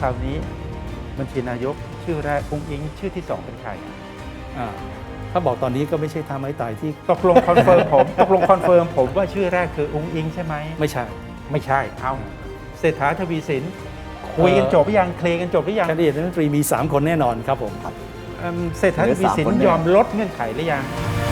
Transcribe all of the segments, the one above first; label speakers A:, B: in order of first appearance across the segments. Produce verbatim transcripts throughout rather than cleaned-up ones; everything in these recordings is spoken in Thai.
A: คราวนี้บัญชีนายกชื่อแรกอุ้งอิงชื่อที่สองเป็นใคร
B: อ่าถ้าบอกตอนนี้ก็ไม่ใช่ท่าไม้ตายที่
A: ตกลงคอนเฟิร์มผมตกลงคอนเฟิร์มผมว่าชื่อแรกคืออุ้งอิงใช่ไหม
B: ไม่ใช่
A: ไม่ใช่เอาเศรษฐาทวีสินคุยกันจบหรือยังเคลียร์กันจบหรือยัง
B: แคนดิเดตรัฐมนตรีมีสามคนแน่นอนครับผม
A: เอิ่มเศรษฐาทวีสินยอมลดเงื่อนไขหรือยัง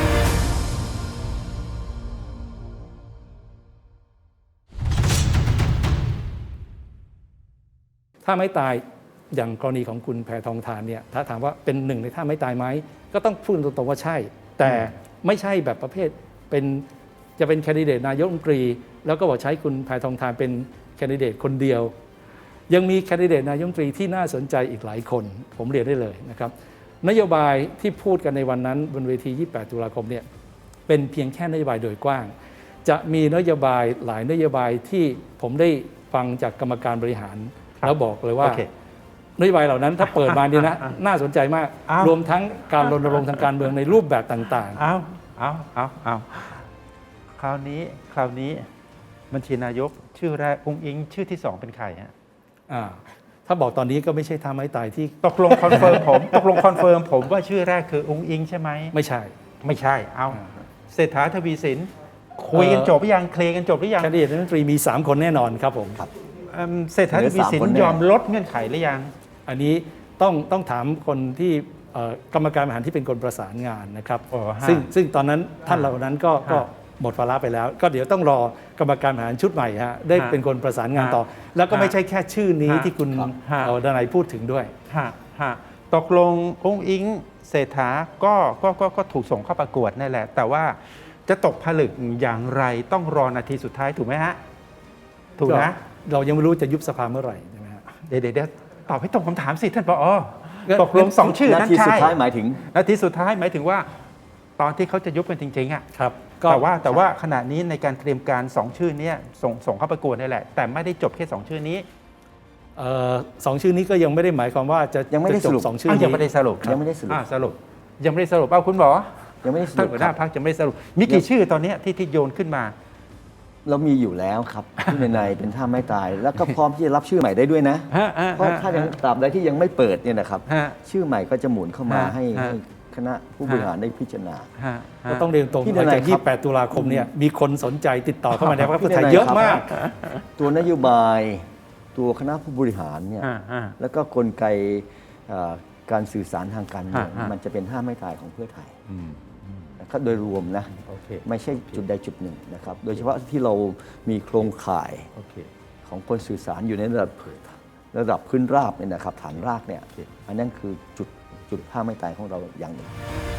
B: ถ้าไม่ตายอย่างกรณีของคุณแพทองธารเนี่ยถ้าถามว่าเป็นหนึ่งในท่าไม่ตายไหมก็ต้องพูดตรงๆว่าใช่แต่ไม่ใช่แบบประเภทเป็นจะเป็นแคนดิเดตนายกรัฐมนตรีแล้วก็บอกใช้คุณแพทองธารเป็นแคนดิเดตคนเดียวยังมีแคนดิเดตนายกรัฐมนตรีที่น่าสนใจอีกหลายคนผมเรียนได้เลยนะครับนโยบายที่พูดกันในวันนั้นบนเวทียี่สิบแปดตุลาคมเนี่ยเป็นเพียงแค่นโยบายโดยกว้างจะมีนโยบายหลายนโยบายที่ผมได้ฟังจากกรรมการบริหารแล้วบอกเลยว่านโยบายเหล่านั้นถ้าเปิดมาดีนะน่าสนใจมากรวมทั้งการรณรงค์ทางการเมืองในรูปแบบต่าง
A: ๆเอาเอาเอาเอาคราวนี้คราวนี้บัญชีนายกชื่อแรกอุ้งอิงชื่อที่สองเป็นใครฮะ
B: อ่าถ้าบอกตอนนี้ก็ไม่ใช่ท่าไม้ตายที่
A: ตกลงคอนเฟิร์มผมตกลงคอนเฟิร์มผมว่าชื่อแรกคืออุ้งอิงใช่ไหม
B: ไม่ใช่
A: ไม่ใช่เอาเศรษฐาทวีสินคุยกันจบหรือยังเคลียร์กันจบหรือยัง
B: แคนดิเดตรัฐมนตรีมีสามคนแน่นอนครับผม
A: เศรษฐาทวีสินยอมลดเงื่อนไขหรือยัง
B: อันนี้ต้องต้องถามคนที่กรรมการบริหารที่เป็นคนประสานงานนะครับซึ่งซึ่งตอนนั้นท่านเหล่านั้นก็ก็หมดวาระไปแล้วก็เดี๋ยวต้องรอกรรมการบริหารชุดใหม่ฮะได้เป็นคนประสานงานต่อแล้วก็ไม่ใช่แค่ชื่อนี้ที่คุณดนัยพูดถึงด้วย
A: ตกลงอุ้งอิงเศรษฐาก็ก็ก็ก็ถูกส่งเข้าประกวดนั่นแหละแต่ว่าจะตกผลึกอย่างไรต้องรอนาทีสุดท้ายถูกไหมฮะถูกนะ
B: เรายังไม่รู้จะยุบสภาเมื่อไหร่ใช่ไหมฮะ
A: เดี๋ยวเดี๋ยวตอบให้ตรงคำถามสิท่านผอ.ตกลงสองชื่อ
C: นั้นใช่นาทีสุดท้ายหมายถึง
A: นาทีสุดท้ายหมายถึงว่าตอนที่เขาจะยุบกันจริงๆอ่ะ
B: ครับ
A: แต่ว่าแต่ว่าขณะนี้ในการเตรียมการสองชื่อนี้ส่งส่งเข้าประกวดนี่แหละแต่ไม่ได้จบแค่สองชื่อนี้
B: สองชื่อนี้ก็ยังไม่ได้หมายความว่าจะ
C: ยังไม่ได้สรุป
B: สองชื่อนี้
A: ยังไม่ได้สรุป
C: ยังไม่ได้สรุป
A: สรุปยังไม่ได้สรุปเอาคุณหมอ
C: ยังไม่ได้สรุป
A: ท่านหัวหน้าพรรคยังไม่ได้สรุปมีกี่ชื่อตอนนี้ที่ที่โยนขึ้นมา
C: เรามีอยู่แล้วครับที่ในในเป็นท่าไม่ตายแล้วก็พร้อมที่จะรับชื่อใหม่ได้ด้วยนะเพราะถ้ายังตราบใดที่ยังไม่เปิดเนี่ยนะครับชื่อใหม่ก็จะหมุนเข้ามาให้คณะผู้บริหารได้พิจารณา
B: ก็ต้องเรียนตรงหลังจากยี่สิบแปดตุลาคมเนี่ยมีคนสนใจติดต่อเข้ามาในพรรคเพื่อไทยเยอะมาก
C: ตัวนโยบายตัวคณะผู้บริหารเนี่ยแล้วก็กลไกการสื่อสารทางการเมืองมันจะเป็นท่าไม่ตายของเพื่อไทยโดยรวมนะไม่ใช่จุดใดจุดหนึ่งนะครับโดยเฉพาะที่เรามีโครงข่ายของคนสื่อสารอยู่ในระดับระดับพื้นราบเนี่ยนะครับฐานรากเนี่ยอันนั้นคือจุดจุดท่าไม่ตายของเราอย่างหนึ่ง